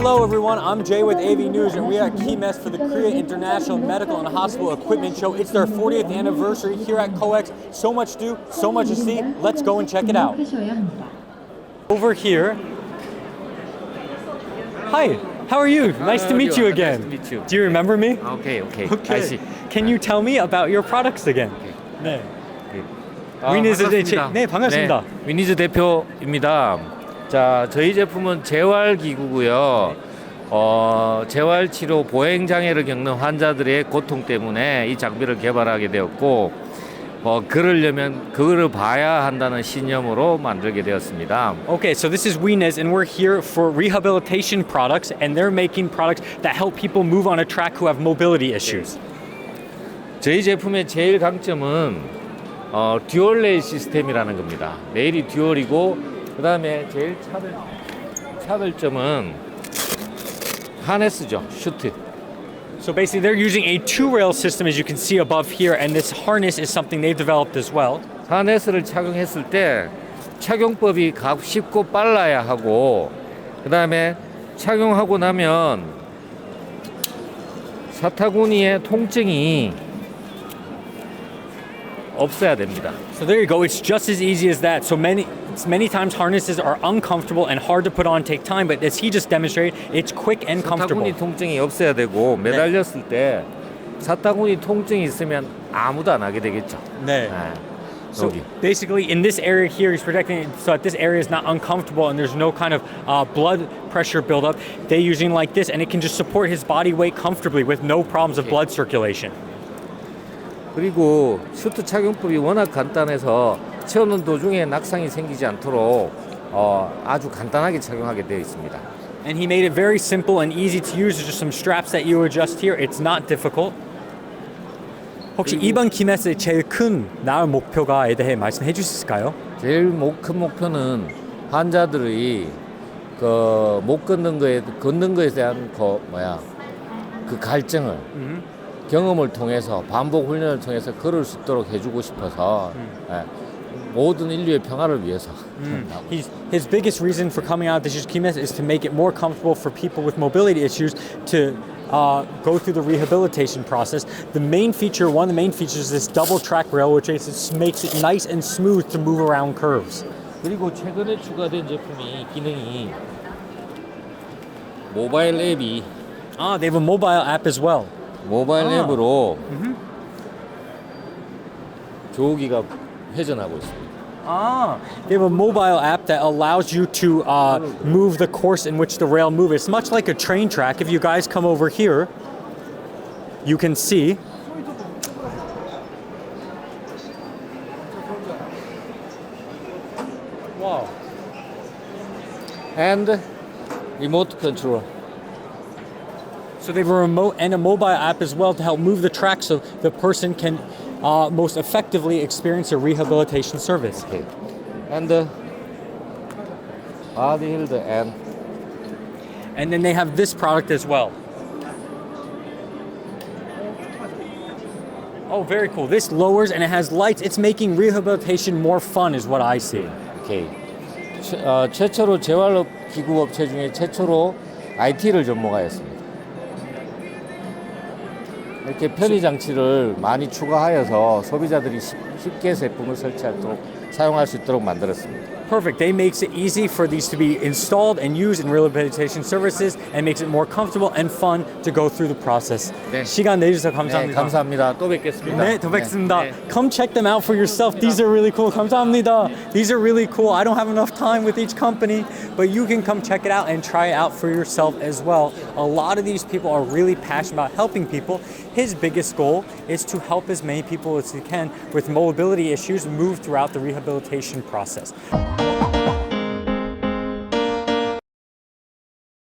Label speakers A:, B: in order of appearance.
A: Hello everyone, I'm Jay with AV News and we are at KeyMess for the Korea International Medical and Hospital Equipment Show. It's their 40th anniversary here at COEX. So much to do, so much to see. Let's go and check it out. Over here. Hi, how are you? Nice to meet you again.
B: Nice to meet you.
A: Do you remember me?
B: Okay.
A: Okay.
B: I see.
A: Can you tell me about your products again? 네. 위니즈
B: 반갑습니다.
A: 네, 반갑습니다.
B: 네, 위니즈 대표입니다. 자, 저희 제품은 재활기구고요. 재활치료 보행장애를 겪는 환자들의 고통 때문에 이 장비를 개발하게 되었고, 그러려면 그거를 봐야 한다는 신념으로 만들게 되었습니다.
A: Okay, so this is Wienez and we're here for rehabilitation products and they're making products that help people move on a track who have mobility issues.
B: 저희 제품의 제일 강점은 듀얼 레일 시스템이라는 겁니다. 레일이 듀얼이고 그 다음에 제일 차별점은 하네스죠. 슈트.
A: So basically they're using a two-rail system as you can see above here and this harness is something they've developed as well.
B: 하네스를 착용했을 때 착용법이 쉽고 빨라야 하고 그 다음에 착용하고 나면 사타구니의 통증이 없어야 됩니다.
A: So there you go. It's just as easy as that. So many times harnesses are uncomfortable and hard to put on, take time, but as he just demonstrated, it's quick and comfortable.
B: 사타구니 통증이 없어야 되고 매달렸을 때 사타구니 통증이 있으면 아무도 안 하게 되겠죠.
A: 네. So
B: 여기.
A: basically in this area here, he's protecting it so that this area is not uncomfortable and there's no kind of blood pressure buildup. They're using like this and it can just support his body weight comfortably with no problems of blood circulation.
B: 그리고 슈트 착용법이 워낙 간단해서 채우는 도중에 낙상이 생기지 않도록 아주 간단하게 착용하게 되어 있습니다.
A: And he made it very simple and easy to use. There's just some straps that you adjust here. It's not difficult. 혹시 이번 키메스의 제일 큰 나을 목표가에 대해 말씀해 주실 수 있을까요?
B: 제일 큰 목표는 환자들이 못 걷는 거에 대한 그 갈증을 경험을 통해서 반복 훈련을 통해서 걸을 수 있도록 해주고 싶어서 모든 인류의 평화를 위해서.
A: His biggest reason for coming out of this KeyMess is to make it more comfortable for people with mobility issues to go through the rehabilitation process. One of the main features is this double track rail, which makes it nice and smooth to move around curves.
B: 그리고 최근에 추가된 기능이 모바일 앱이
A: They have a mobile app as well.
B: 모바일 앱으로 조우기가 회전하고 있습니다.
A: They have a mobile app that allows you to move the course in which the rail moves. It's much like a train track. If you guys come over here, you can see. Wow.
B: And remote control.
A: So they have a remote and a mobile app as well to help move the track so the person can most effectively experience a rehabilitation service.
B: Okay. And body healed
A: And then they have this product as well. Oh, very cool. This lowers and it has lights. It's making rehabilitation more fun is what I see.
B: Okay. 최초로 재활기구 업체 중에 최초로 IT를 접목하였습니다. 이렇게 편의 장치를 많이 추가하여서 소비자들이 쉽게 제품을 사용할 수 있도록 만들었습니다.
A: Perfect. They makes it easy for these to be installed and used in rehabilitation services and makes it more comfortable and fun to go through the process.
B: 네.
A: 시간 내주셔서 감사합니다.
B: 네, 감사합니다. 또 뵙겠습니다.
A: 네, 더 뵙겠습니다.
B: 네.
A: Come check them out for yourself. These are really cool. 감사합니다. These are really cool. I don't have enough time with each company, but you can come check it out and try it out for yourself as well. A lot of these people are really passionate about helping people. His biggest goal is to help as many people as he can with mobility issues move throughout the rehabilitation process.